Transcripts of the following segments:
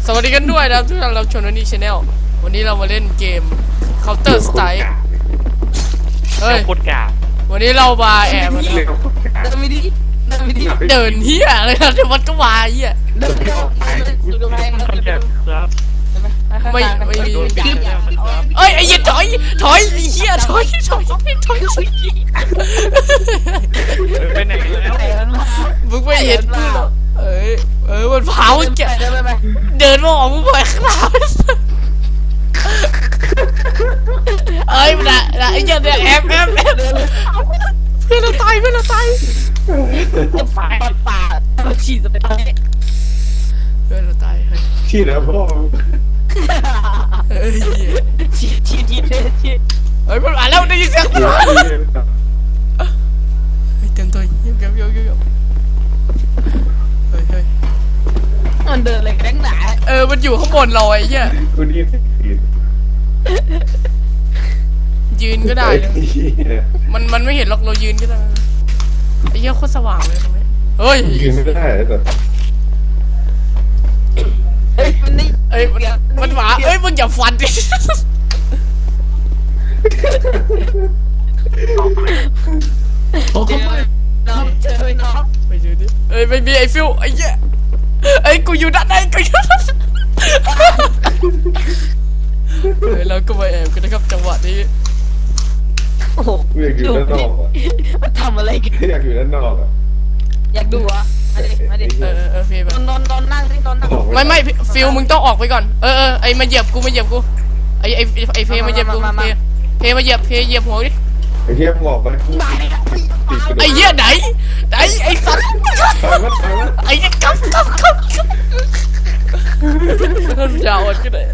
สวัสดีกันด้วยนะครับทุกท่านเราชมวันนี้ชาแนลวันนี้เรามาเล่นเกม Counter Strike เฮ้ยโคตรกาวันนี้เรามาแอบนะเดินไม่ดีเดินไม่ดีเดินเฮียเลยนะเดี๋ยวมันก็มาเฮียเดินดูกำแพงคอนแทคครับไม่มีโดนปิดแล้วเอ้ยไอ้เหี้ยถอยไอ้เฮียถอยไปไหนแล้วมึงไม่เห็นกูหรอกมันเผาแกเดินไปเดินมาออกมึงไปข้างหน้าเอ้ยมันอะไอ้เหี้ยเนี่ยแอบเพื่อนเราตายจะป่าฉีดจะไปตายเพื่อนเราตายเฮ้ยที่แล้วพ่อเฮ้ยฉีดเฮ้ยมันมาแล้วได้ยินเสียงมันมาเฮ้ยเต็มตัวเยี่ยมเฮ้ยมันเดินอะไรกันหนามันอยู่ข้างบนเราไอ้เหี้ยคุณนี่สิยืนก็ได้นะมันไม่เห็นหรอกเรายืนก็ได้ไอ้เหี้ยโคตรสว่างเลยตรงนี้เฮ้ยยืนไม่ได้แต่มันนี่มันหมามึงอย่าฟันดิเจอน้องไปดูดิไม่มีไอ้ฟิวไอ้เหี้ยกูอยู่ด้านในเราก็มาแอบกันนะครับจังหวะนี้โอ้โหอยากอยู่ด้านนอกอ่ะมันทำอะไรกันอยากอยู่ด้านนอกอ่ะอยากดูอ่ะมาดิพี่ไปนอนนั่งสินอนนั่งไม่ฟิวมึงต้องออกไปก่อนไอ้มาเหยียบกูไอ้เพมาเหยียบกูเพมาเหยียบหัวดิไอ้เหี้ยบอกไปไอ้เหี้ยไหนไอ้สัตว์ตายมั้ยไอ้เหี้ยกับมันยาวขึ้นเลย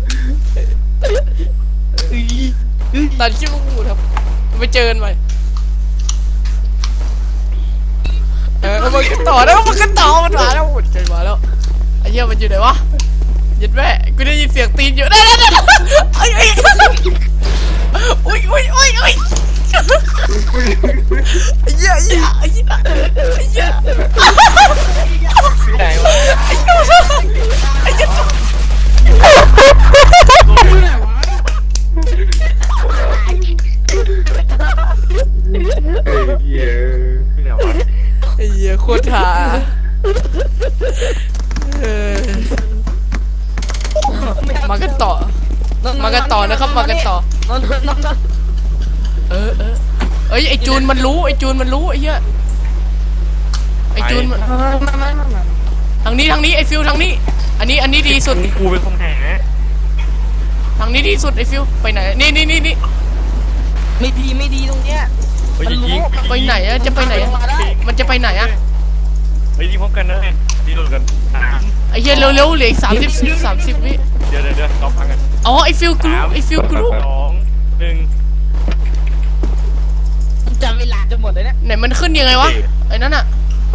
ตัดชิ้นลูกครับไปเจอกันใหม่มันกันต่อแล้วมันมาแล้วไอ้เหี้ยมันอยู่ไหนวะยัดแม่กูได้ยินเสียงตีนอยู่ได้ไอ้อุ้ยไอ้เหี้ยไหนวะไอ้เหี้ยไอ้เหี้ยไหนวะไอ้เหี้ยโคตรหามากันต่อนะครับมากันต่อนอนไอ้จูนมันรู้ไอ้เหี้ยไอ้จูนมันมาทางนี้ไอ้ฟิวทางนี้อันนี้ดีสุดกูเป็นคนหาทางนี้ดีสุดไอ้ฟิวไปไหนนี่ไม่ดีตรงเนี้ยไปยิงไปไหนอะจะไปไหนอะมันจะไปไหนอะไปยิงพร้อมกันนะดีโดนกันไอ้เหี้ยเร็วเหลืออีก30 วิเดี๋ยวต้องฟังกันอ๋อไอ้ฟิวกรู้ 2 1 จำเวลาจะหมดเลยเนี่ยไหนมันขึ้นยังไงวะไอ้นั่นอะ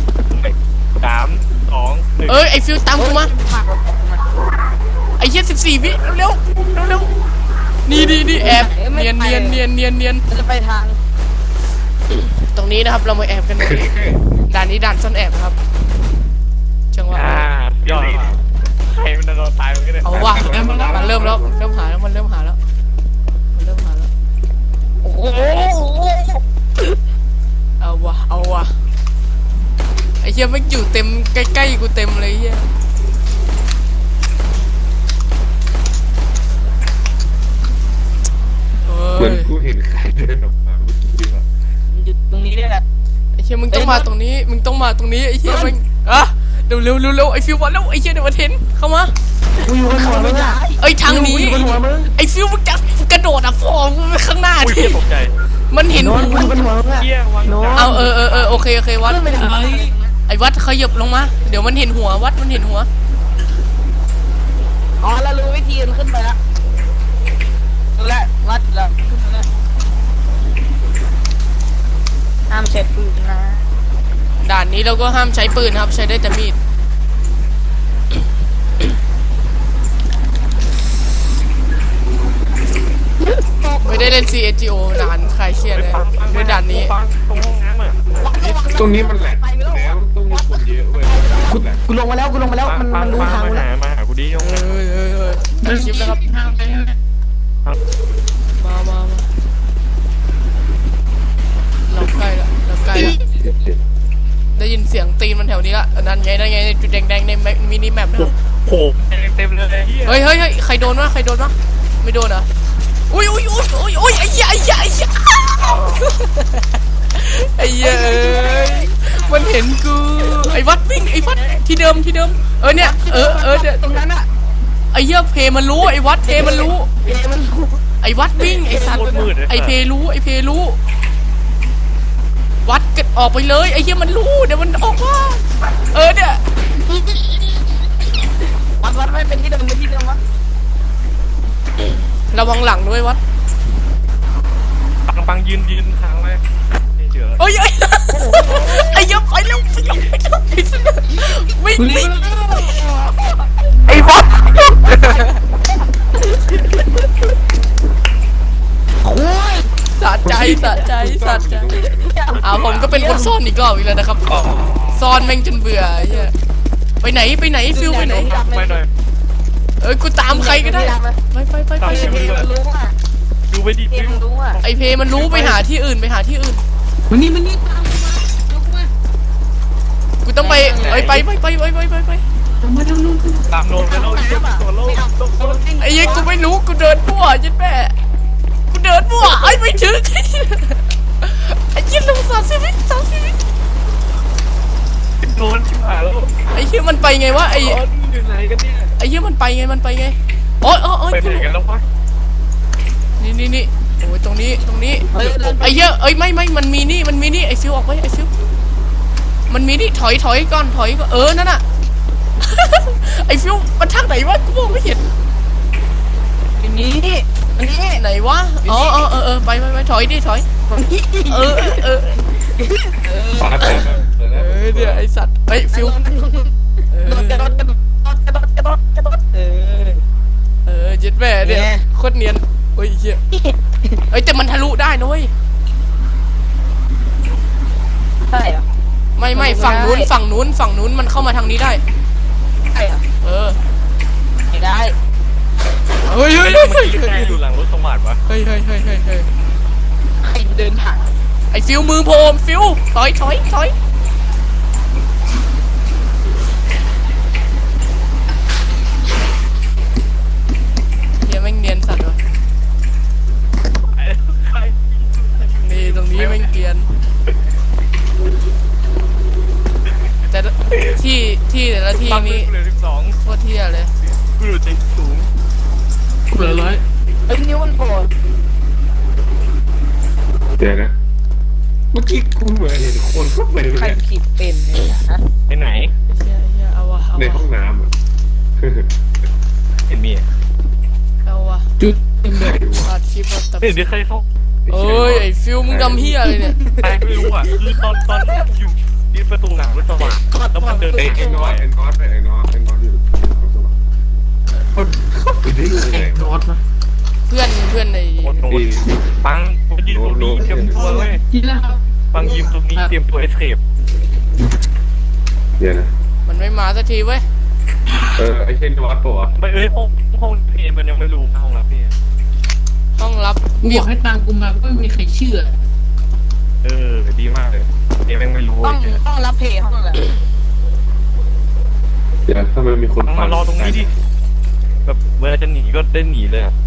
3 2 1 ไอ้ฟิวตามกูมาไอ้เหี้ย14 วิเร็วนี่แอบเนียนจะไปทางตรงนี้นะครับเรามาแอบกันเลยด่านนี้ด่านซ่อนแอบครับจังหวะยอดใครมันโดนตายมันก็ได้เอาว่ะมันเริ่มแล้วมันเริ่มหาแล้วโอ้โหเอาว่ะไอ้เหี้ยไม่อยู่เต็มใกล้ๆกูเต็มเลยเหี้ยเหมือนกูเห็นใครเดินออกมาเมื่อกี้ว่ะอยู่ตรงนี้เนี่ยแหละไอ้เหี้ยมึงต้องมาตรงนี้ไอ้เหี้ยมึงเร็วไอ้ฟิวมาแล้วไอ้เหี้ยเดี๋ยวมาเทนเข้ามากูอยู่บนหัวมึงอ่ะทางนี้ไอ้ฟิวมึงจะกระโดดฟอร์มไปข้างหน้าอุ้ยดิตกใจมันเห็นกูอยู่บนหัวมึงอ่ะเฮียวางเอาโอเควัดไม่ได้ไอ้วัดขยับลงมาเดี๋ยวมันเห็นหัววัดมันเห็นหัวอ๋อเรารู้วิธีมันขึ้นไปแล้วและวัดแล้วขึ้นไปแล้วห้ามเช็ดปืนนะด่านนี้เราก็ห้ามใช้ปืนครับใช้ได้แต่มีดไม่ได้เล่น CSGO นานใครเครียดเลยในด่านนี้ตรงห้องน้ำอ่ะตรงนี้มันแหลกแล้วต้องมีคนเยอะเว้ยกูลงมาแล้วมันรู้ทางกูแล้วมาหากูดิยงเตัดคลิปนะครับ มาเราใกล้ละได้ยินเสียงตีนมันแถวนี้ละนั่นไงจุดแดงๆในมินิแมปนะครับโหเต็มเลยเฮ้ยใครโดนวะไม่โดนเหรออุ้ยไอ้เหี้ยไอ้เหี้ยมันเห็นกูไอ้วัดวิ่งไอ้วัดที่เดิมเนี่ยเนี่ยตรงนั้นอะไอ้เหี้ยเพมันรู้ไอ้วัดเพมันรู้มันไอ้วัดวิ่งไอ้สัตว์ไอ้เพรู้วัดเกิดออกไปเลยไอ้เหี้ยมันรู้เดี๋ยวมันออกว่าเนี่ยวัดไม่เป็นที่เดิมวะระวังหลังด้วยวัดปังยืนทางไว้ไม่เจอไอ้เหี้ยไปแล้ววิ่งไอ้วัดสะใจผมก็เป็นคนซ่อนอีกรอบอีกแล้วนะครับซ่อนแม่งจนเบื่อไอ้เหี้ยไปไหนฟิวไปไหนไปหน่อยกูตามใครก็ได้ไปรู้อ่ะดูไปดิมันรู้อ่ะไอเพมันรู้ไปหาที่อื่นมันนี่ตามมากูต้องไปไปตามโน้ตแล้วตัวโลกไอ้ยังกูไม่รู้กูเดินมั่วยัดแม่กูเดินมั่วไอ้ไม่ถึงไอ้ยันลง30 วิโดนชิบหายแล้วไอ้เหี้ยมันไปไงวะไอ้อยู่ไหนกันเนี่ยไอ้เหี้ยมันไปไงโอ้ยไปไหนกันแล้ววะนี่โอ้ยตรงนี้ไอ้เหี้ยไม่มันมีนี่ไอ้ฟิวออกไปไอ้ฟิวมันมีนี่ถอยก่อนนั่นน่ะไอ้ฟิวมันทางไหนวะกูมองไม่เห็นอันนี้ไหนวะไปถอยฟ้าแต่เนี่ยไอสัตว์ฟิวกระโดดยึดแม่เนี่ยโคตรเนียนเฮ้ยเหี้ยแต่มันทะลุได้นะเว้ยใช่เหรอไม่ฝั่งนู้นมันเข้ามาทางนี้ได้ใช่เหรอไม่ได้เฮ้ยอยู่หลังรถสมาร์ทวะเฮ้ยใครเดินผ่านไอฟิวมือโพมฟิวถอยเฮียแม่งเนียนสัตว์วะนี่ตรงนี้แม่งเกรียนแต่ที่แต่ละที่นี้เหลือ12 โคตรเที่ยเลยกูอยู่ใจสูงเหลือ100 นิ้วมันโผล่เดี๋ยวนะเมื่อกี้กูเหมือนเห็นคนเข้าไปใครขีดเป็นฮะไปไหนไอ้เหี้ยเอาวะในห้องน้ำอ่ะเห็นมีเอาวะจุดเต็มเลยว่ะอัดคลิปมาตัดเห็นที่ใครเข้าไอ้ฟิวมึงดำเฮียเลยเนี่ยใครไม่รู้อ่ะคือตอนอยู่ที่ประตูหลังรถสว่างแล้วมันเดินไอ้น้อยอยู่คนเข้าไปได้ยังไงวะเพื่อนในปังยืนตรงนี้เตรียมตัวเว้ยปังยืนตรงนี้เตรียมตัวเอสเคปเดี๋ยวนะมันไม่มาสักทีเว้ยไอ้เช่นวัดปะวะไปห้องเพลมันยังไม่รู้ห้องรับพี่ห้องรับกูบอกให้ตามกูมาก็ไม่มีใครเชื่อดีมากเลยเอ็มยังไม่รู้ห้องรับเพย์ห้องอะไรเดี๋ยวถ้ามันมีคนมารอตรงนี้ดิแบบเวลาจะหนีก็ได้หนีเลยอ่ะ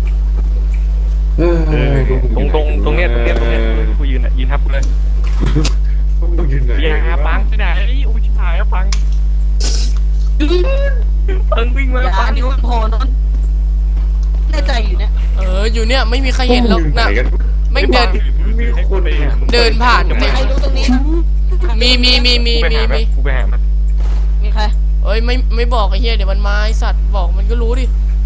ตรงเนี้ยกูยืนทับกูเลยต้องยืนไหนอย่าปังไปไหนอุ้ยชิบหายแล้วปังวิ่งมาอย่าปังนิ้วมันโผล่นนแน่ใจอยู่เนี่ยอยู่เนี่ยไม่มีใครเห็นหรอกนะไม่เดินมีคนเดินผ่านใครรู้ตรงนี้มีกูไปหามันมีใครไม่บอกไอ้เหี้ยเดี๋ยวมันมาไอ้สัตว์บอกมันก็รู้ดิ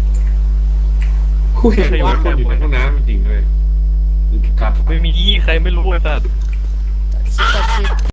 กูเห็นว่าคนอยู่ในห้องน้ำจริงเลยไม่มีใครไม่รู้เลยสัตว์ตัดคลิป